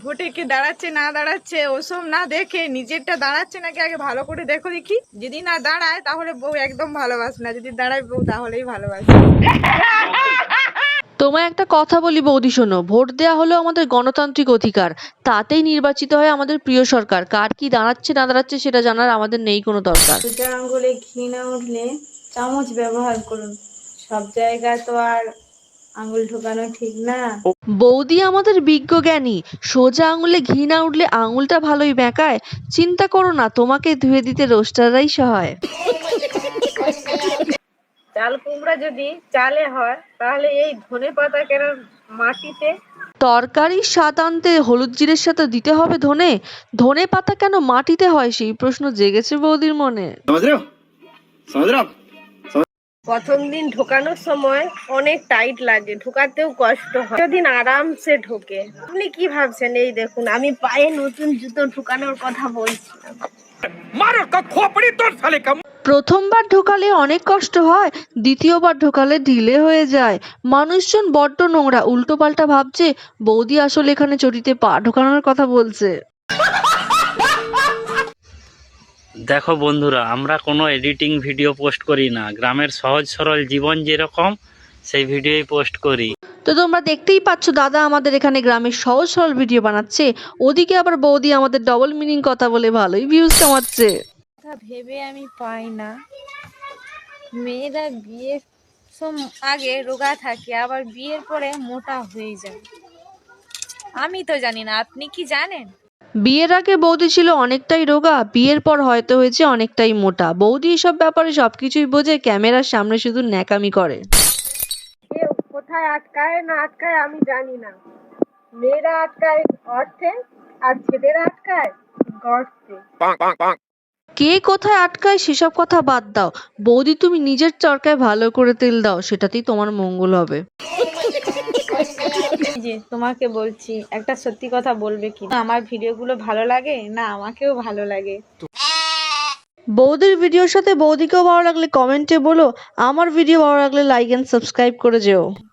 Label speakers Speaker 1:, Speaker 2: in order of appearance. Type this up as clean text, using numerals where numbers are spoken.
Speaker 1: ভোটে কে দাঁড়াচ্ছে না দাঁড়াচ্ছে ওসব না দেখে নিজেরটা দাঁড়াচ্ছে নাকি আগে ভালো করে দেখো দেখি। যদি না দাঁড়ায় তাহলে বউ একদম ভালোবাসে না, যদি দাঁড়ায় বউ তাহলেই ভালোবাসে।
Speaker 2: তোমায় একটা কথা বলি বৌদি, শোনো, ভোট দেওয়া হলো আমাদের গণতান্ত্রিক অধিকার। তাতেই নির্বাচিত হয় আমাদের প্রিয় সরকার। কার কি দাঁড়াচ্ছে না দাঁড়াচ্ছে সেটা জানার আমাদের নেই কোনো দরকার।
Speaker 1: সোজা আঙ্গুলে ঘি না উঠলে চামচ ব্যবহার করুন। সব জায়গায় তো আর আঙ্গুল ঢোকানো ঠিক না।
Speaker 2: বৌদি আমাদের বিজ্ঞ জ্ঞানী। সোজা আঙুলে ঘি না উঠলে আঙুলটা ভালোই বেঁকায়। চিন্তা করো না, তোমাকে ধুয়ে দিতে রোস্টাররাই সহায়।
Speaker 1: চাল কুমড়া যদি চালে হয় তাহলে এই ধনে পাতা কেন মাটিতে?
Speaker 2: তরকারির স্বাদ আনতে হলুদ জিরের সাথে দিতে হবে ধনে। ধনে পাতা কেন মাটিতে হয় সেই প্রশ্ন জেগেছে বৌদির মনে।
Speaker 1: প্রথম দিন ঢোকানোর সময় অনেক টাইট লাগে, ঢোকাতেও কষ্ট হয়। দিন আরামসে ঢোকে। আপনি কি ভাবছেন? এই দেখুন আমি পায়ে নতুন জুতো ঢোকানোর কথা বলছি।
Speaker 2: প্রথমবার ঢোকালে অনেক কষ্ট হয়, দ্বিতীয়বার ঢোকালে ঢিলে হয়ে যায়। মানুষজন বড্ড নোংরা, উল্টো পাল্টা ভাবছে বৌদি আসলে এখানে চটিতে পা ঢোকানোর কথা বলছে।
Speaker 3: দেখো বন্ধুরা, আমরা কোনো এডিটিং ভিডিও পোস্ট করি না, গ্রামের সহজ সরল জীবন যেরকম সেই ভিডিওই পোস্ট করি।
Speaker 2: তো তোমরা দেখতেই পাচ্ছ দাদা আমাদের এখানে গ্রামের সহজ সরল ভিডিও বানাচ্ছে, ওদিকে আবার বৌদি আমাদের ডবল মিনিং কথা বলে ভালোই ভিউজ কামাচ্ছে।
Speaker 1: ভেবে আমি পাই না, মেয়েরা বিয়ের আগে রোগা থাকে আবার বিয়ের পরে মোটা হয়ে যায়। আমি তো জানি না, আপনি কি জানেন?
Speaker 2: বিয়ের আগে বৌদি ছিল অনেকটাই রোগা, বিয়ের পর হয়তো হয়েছে অনেকটাই মোটা। বৌদি এসব ব্যাপারে সবকিছুই বোঝে, ক্যামেরার সামনে শুধু ন্যাকামি করে।
Speaker 1: কেউ কোথায় আটকায় না আটকায় আমি জানি না, মেয়েরা আটকায় অর্থে আর ছেলেরা আটকায় গর্তে।
Speaker 2: কে কোথায় আটকায় সেসব কথা বাদ দাও, বৌদি তুমি নিজের চরকায় ভালো করে তেল দাও, সেটাতেই তোমার মঙ্গল হবে।
Speaker 1: যে তোমাকে বলছি, একটা সত্যি কথা বলবে কি? আমার ভিডিওগুলো ভালো লাগে না আমাকেও ভালো লাগে?
Speaker 2: বৌদির ভিডিওর সাথে বৌদিকেও ভালো লাগলে কমেন্টে বলো, আমার ভিডিও ভালো লাগলে লাইক এন্ড সাবস্ক্রাইব করে যেও।